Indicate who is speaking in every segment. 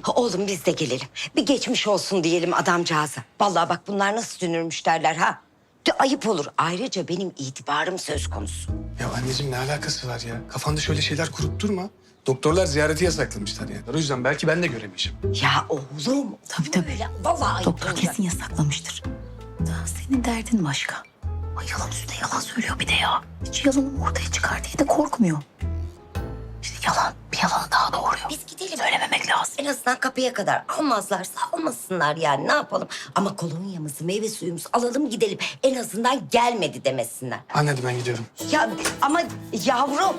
Speaker 1: Oğlum biz de gelelim. Bir geçmiş olsun diyelim adamcağıza. Vallahi bak bunlar nasıl dünürmüş derler ha. De ayıp olur. Ayrıca benim itibarım söz konusu.
Speaker 2: Ya anneciğim ne alakası var ya? Kafanda şöyle şeyler kurup durma. Doktorlar ziyareti yasaklamışlar yani. O yüzden belki ben de göremeyeceğim.
Speaker 1: Ya oğlum.
Speaker 3: Tabii.
Speaker 1: Öyle, vallahi ayıp
Speaker 3: Doktor
Speaker 1: olur.
Speaker 3: kesin yasaklamıştır. Daha senin derdin başka. Ay yalan üstüne yalan söylüyor bir de ya. Hiç yalanımı ortaya çıkar diye de korkmuyor. İşte yalan, bir yalanı daha doğuruyor.
Speaker 1: Biz gidelim.
Speaker 3: Söylememek lazım.
Speaker 1: En azından kapıya kadar almazlarsa almasınlar yani ne yapalım. Ama kolonyamızı, meyve suyumuzu alalım gidelim. En azından gelmedi demesinler.
Speaker 2: Anne hadi ben gidiyorum.
Speaker 1: Ya ama yavrum.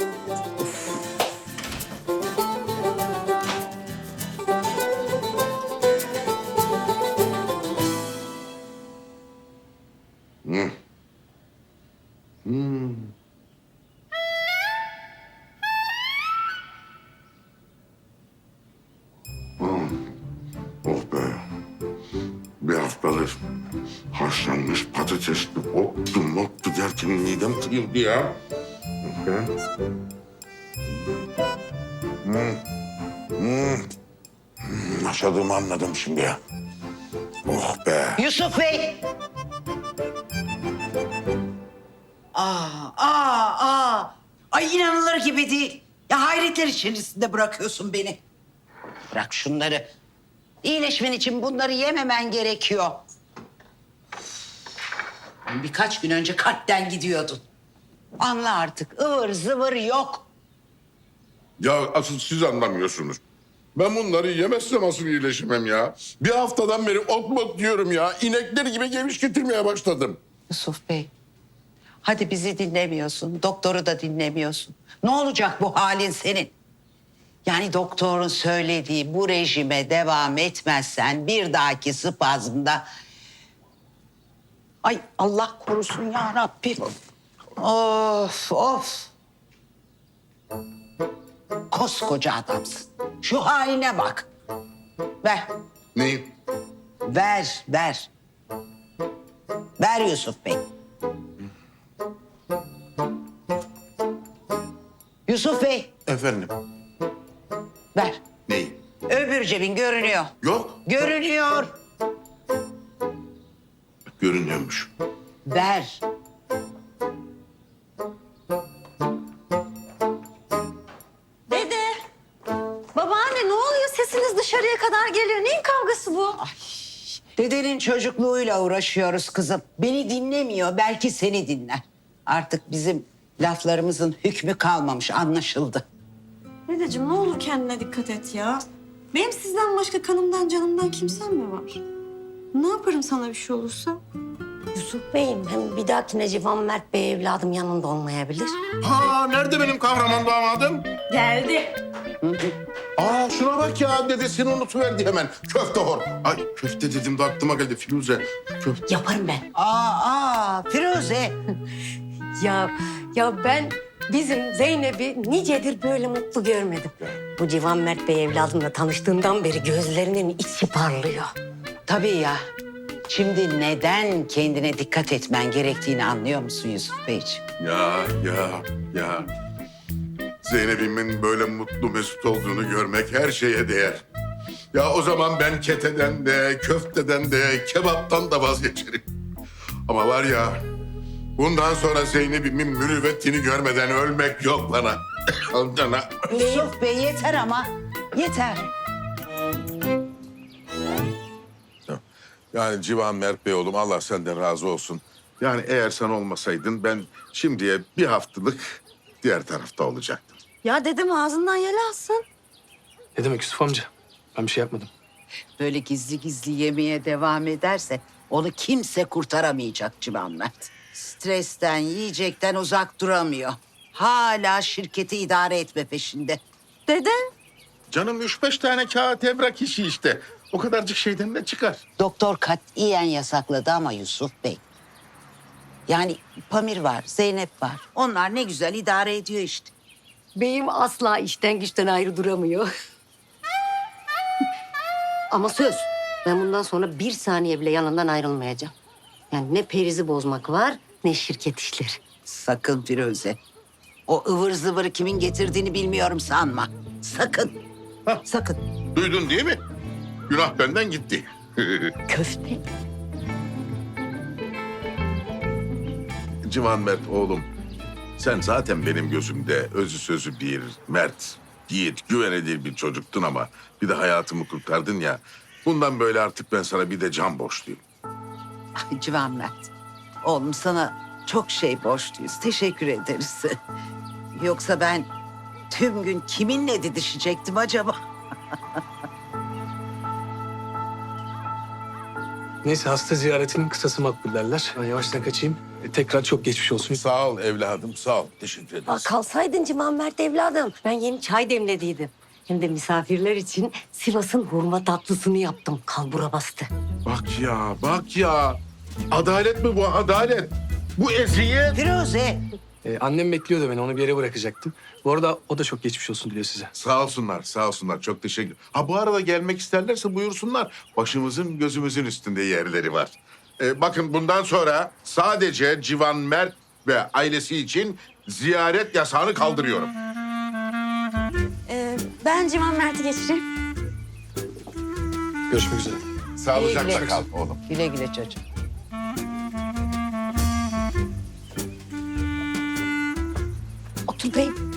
Speaker 4: Oh be. Bir haftadır haşlanmış patatesli ottu derken midem kırıldı ya. Oh be. Yaşadığımı anladım şimdi ya. Oh be.
Speaker 5: Yusuf Bey. Ay inanılır gibi değil. Ya hayretler içerisinde bırakıyorsun beni. Bırak şunları. İyileşmen için bunları yememen gerekiyor. Birkaç gün önce kalpten gidiyordun. Anla artık ıvır zıvır yok.
Speaker 4: Ya asıl siz anlamıyorsunuz. Ben bunları yemezsem nasıl iyileşemem ya? Bir haftadan beri ot diyorum ya. İnekler gibi geviş getirmeye başladım.
Speaker 5: Yusuf Bey. Hadi bizi dinlemiyorsun. Doktoru da dinlemiyorsun. Ne olacak bu halin senin? Yani doktorun söylediği bu rejime devam etmezsen bir dahaki spazmda... Ay Allah korusun ya Rabbim. Of. Koskoca adamsın. Şu haline bak. Ver.
Speaker 4: Neyi?
Speaker 5: Ver. Ver Yusuf Bey. Yusuf Bey,
Speaker 4: Efendim?
Speaker 5: ver.
Speaker 4: Neyi?
Speaker 5: Öbür cebin görünüyor.
Speaker 4: Yok.
Speaker 5: Görünüyor.
Speaker 4: Görünüyormuş.
Speaker 5: Ver.
Speaker 3: Dede, babaanne ne oluyor? Sesiniz dışarıya kadar geliyor. Neyin kavgası bu?
Speaker 5: Dedenin çocukluğuyla uğraşıyoruz kızım. Beni dinlemiyor, belki seni dinler. Artık bizim laflarımızın hükmü kalmamış, anlaşıldı.
Speaker 6: Dedeciğim ne olur kendine dikkat et ya. Benim sizden başka kanımdan canımdan kimsem mi var? Ne yaparım sana bir şey olursa?
Speaker 1: Yusuf Bey'im hem bir dahakine Civan Mert Bey evladım yanında olmayabilir.
Speaker 4: Ha nerede benim kahraman damadım?
Speaker 6: Geldi.
Speaker 4: Aa şuna bak ya dedesini unutuverdi hemen. Köfte hor. Ay köfte dedim de aklıma geldi Firuze. Köfte.
Speaker 1: Yaparım ben.
Speaker 5: Firuze.
Speaker 1: Ya ben bizim Zeynep'i nicedir böyle mutlu görmedim. Bu Civan Mert Bey evladımla tanıştığından beri gözlerinin içi parlıyor.
Speaker 5: Tabii ya. Şimdi neden kendine dikkat etmen gerektiğini anlıyor musun Yusuf Beyciğim?
Speaker 4: Ya. Zeynep'imin böyle mutlu mesut olduğunu görmek her şeye değer. Ya o zaman ben keteden de, köfteden de, kebaptan da vazgeçerim. Ama var ya, bundan sonra Zeynep'imin mürüvvetini görmeden ölmek yok bana. Cana.
Speaker 5: Yusuf Bey yeter ama. Yeter.
Speaker 4: Yani Civan Mert Bey oğlum Allah senden razı olsun. Yani eğer sen olmasaydın ben şimdiye bir haftalık diğer tarafta olacaktım.
Speaker 6: Ya dedem ağzından yel alsın.
Speaker 2: Ne demek Yusuf amca? Ben bir şey yapmadım.
Speaker 5: Böyle gizli gizli yemeye devam ederse onu kimse kurtaramayacak Civan Mert. Stresten, yiyecekten uzak duramıyor. Hala şirketi idare etme peşinde.
Speaker 6: Dede.
Speaker 4: Canım 3-5 tane kağıt evrak işi işte. O kadarcık şeyden ne çıkar?
Speaker 5: Doktor katiyen yasakladı ama Yusuf Bey. Yani Pamir var, Zeynep var. Onlar ne güzel idare ediyor işte.
Speaker 1: Beyim asla işten güçten ayrı duramıyor. Ama söz, ben bundan sonra bir saniye bile yanından ayrılmayacağım. Yani ne perizi bozmak var, ne şirket işleri.
Speaker 5: Sakın Firuze. O ıvır zıvırı kimin getirdiğini bilmiyorum sanma. Sakın. Sakın.
Speaker 4: Duydun değil mi? Günah benden gitti.
Speaker 1: Köfte.
Speaker 4: Civan Mert oğlum, sen zaten benim gözümde özü sözü bir mert, yiğit, güvenilir bir çocuktun ama bir de hayatımı kurtardın ya. Bundan böyle artık ben sana bir de can borçluyum.
Speaker 5: Ay Civan Mert. Oğlum sana çok şey borçluyuz. Teşekkür ederiz. Yoksa ben tüm gün kiminle didişecektim acaba?
Speaker 2: Neyse hasta ziyaretinin kısası makbul derler. Ben yavaştan kaçayım. Tekrar çok geçmiş olsun.
Speaker 4: Sağ ol evladım, sağ ol. Teşekkür
Speaker 1: Aa,
Speaker 4: ederiz.
Speaker 1: kalsaydın Civan Mert evladım. Ben yeni çay demlediydim. Hem de misafirler için Sivas'ın hurma tatlısını yaptım. Kalbura bastı.
Speaker 4: Bak ya, bak ya. Adalet mi bu, adalet? Bu eziyet.
Speaker 5: Firuze.
Speaker 2: Annem bekliyordu beni. Onu bir yere bırakacaktım. Bu arada o da çok geçmiş olsun diliyor size.
Speaker 4: Sağ olsunlar, sağ olsunlar. Çok teşekkür. Ha bu arada gelmek isterlerse buyursunlar. Başımızın gözümüzün üstünde yerleri var. Bakın bundan sonra sadece Civan Mert ve ailesi için ziyaret yasağını kaldırıyorum.
Speaker 6: Ben Civan Mert'i geçireyim.
Speaker 2: Görüşmek üzere.
Speaker 4: Sağlıcakla
Speaker 5: güle.
Speaker 4: kal oğlum.
Speaker 5: Güle güle çocuğum.
Speaker 1: Otur beyim.